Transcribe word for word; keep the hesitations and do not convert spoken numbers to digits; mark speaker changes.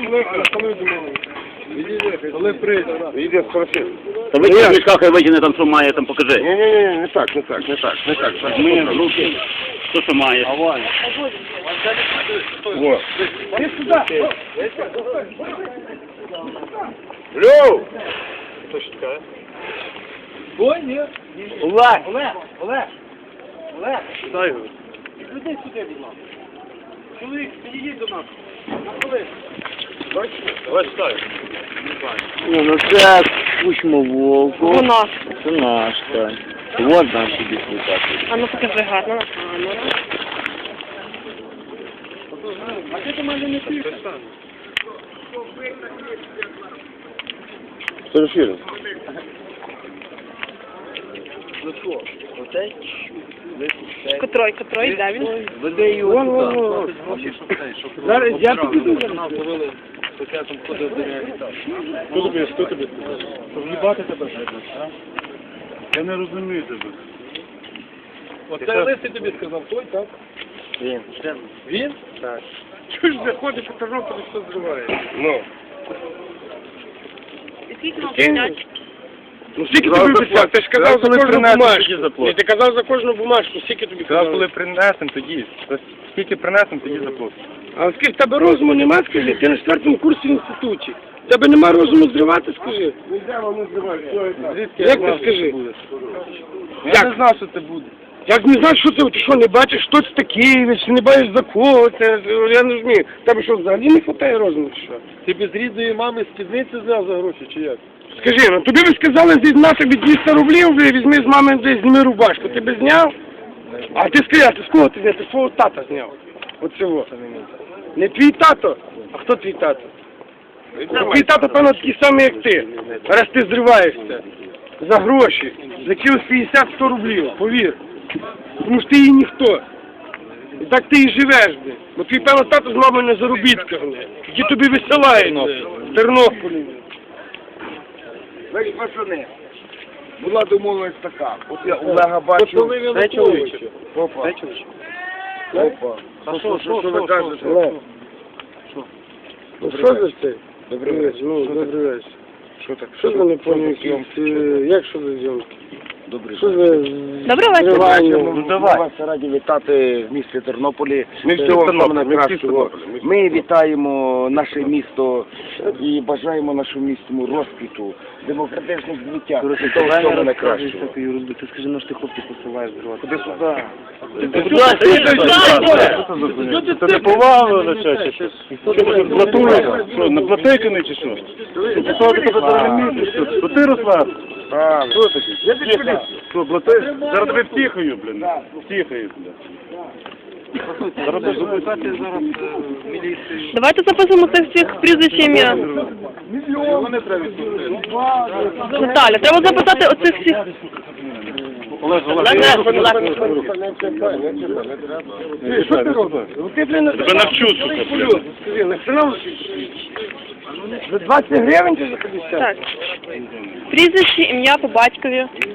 Speaker 1: Коли прийде. Іди, спроси.
Speaker 2: Та ви в мішках і витягни там, що має, там покажи.
Speaker 1: Ні-ні-ні, не так, не так, не так, не так.
Speaker 2: Ми руки, що що має.
Speaker 1: Аваль. Вот. Иди сюда. Лёв! Кто считает? Ой, нет.
Speaker 3: Олег! Олег! Олег! Олег!
Speaker 1: Дай его.
Speaker 3: Людей сюди, будь ласка. Чоловік, підійдіть до нас. На хвилину.
Speaker 1: Давай ставь.
Speaker 4: Ні, ну це кучмо вовку.
Speaker 5: У нас.
Speaker 4: Це наш, так. Вот наш собі слухати.
Speaker 5: А ну покажи гарно на камеру.
Speaker 3: А ти до мене не пішеш?
Speaker 1: Серафир.
Speaker 3: Ну що? Оцей?
Speaker 5: Котрой, котрой, де він?
Speaker 3: Веди його
Speaker 1: Вон, вон, вон.
Speaker 3: Зараз я підійду.
Speaker 1: Хто тобі, хто тобі? В'їбати тебе? Я не розумію тебе.
Speaker 3: Оцей лисий тобі сказав, той, так?
Speaker 4: Він.
Speaker 3: Він?
Speaker 4: Так.
Speaker 3: Чого ж заходиш у Тернополі, все зриває?
Speaker 1: Ну.
Speaker 5: І скільки вам платять?
Speaker 1: Ну скільки тобі обіцяв? Ти ж казав за кожну бумажку.
Speaker 4: заплатимо.
Speaker 1: Ні, ти казав за кожну бумажку, скільки тобі
Speaker 6: Сказав,
Speaker 1: казав?
Speaker 6: коли принесемо, тоді. Скільки принесемо, тоді заплатимо.
Speaker 1: А скільки в тебе розуму нема, скажи? Ти на четвертому курсі в інституті. В тебе нема розуму зривати, скажи? Як ти скажи?
Speaker 6: Я
Speaker 1: Як?
Speaker 6: не знав, що це буде.
Speaker 1: Як не знаєш, що це, ти що, не бачиш, хто це такий, чи не бачиш за кого, це, я не розумію. Тебе що, взагалі не хватає розуму, чи що?
Speaker 3: Ти без рідної мами спідниці зняв за гроші, чи як?
Speaker 1: Скажи, ну тобі ви сказали, зізна тобі двісті рублів, вже візьми з мами, десь зніми рубашку, ти би зняв? А ти скажи, а ти з кого ти зняв? Ти свого тата зняв. От цього. Не твій тато, а хто твій тато? Твій тато, певно, такий самий, як ти. Раз ти зриваєшся за гроші, за якихось п'ятдесят-сто рублів, повір. Тому що ти її ніхто. І так ти і живеш, бля. Бо твій, певно, тато з мамою на заробітках, бля. Які тобі висилають, бля, в Тернополі.
Speaker 7: Значить, пацани, була домовленість така. От я Олега бачу.
Speaker 3: Це чоловіче.
Speaker 7: Опа. Опа.
Speaker 3: А що, що,
Speaker 7: Що ви
Speaker 3: що,
Speaker 7: кажете?
Speaker 1: Олег. Ну що за це?
Speaker 7: Добрий вечір.
Speaker 1: Ну, добрий вечір.
Speaker 7: Що так?
Speaker 1: Що ви не поняли? Як що за зйомки?
Speaker 7: Добрий
Speaker 1: Що
Speaker 7: вечір.
Speaker 1: за
Speaker 5: Добрий вечір.
Speaker 1: зривання?
Speaker 7: Ну, давай. Ми вас раді вітати в місті Тернополі.
Speaker 1: Ми
Speaker 7: Е,
Speaker 1: всі в Тернополі,
Speaker 7: саме
Speaker 1: ми всі в
Speaker 7: найкращого.
Speaker 1: Тернополі.
Speaker 7: Ми вітаємо наше місто і бажаємо нашому місту розквіту, демократичних звиття.
Speaker 4: Короче,
Speaker 7: Того
Speaker 4: правильно
Speaker 7: всього
Speaker 4: розказуєш
Speaker 7: найкращого.
Speaker 4: таку ерунду. Ти скажи, ну що ти хлопці посилаєш дрова.
Speaker 7: Ходи сюди.
Speaker 6: Це не повага, наче, чи що? Блатуєш? Що, на платейкани чи що? Ти що, ти тебе зараз не місяць? Що ти, Руслан? Що таке? Я підпилюсь. Що, блатуєш? Зараз тебе втіхаю, блін. Втіхаю, блін. Зараз будеш записати зараз міліцію.
Speaker 5: Давайте записуємо цих всіх прізвищ ім'я.
Speaker 6: Вони треба відпустити.
Speaker 5: Наталя, треба записати оцих всіх.
Speaker 6: Олег, Олег,
Speaker 1: Що ти робиш? Ну ти, блін,
Speaker 6: тебе навчу, сука, блін.
Speaker 1: скажи, на хрена за двадцять гривень чи за п'ятдесят?
Speaker 5: Так. Прізвище, ім'я по батькові.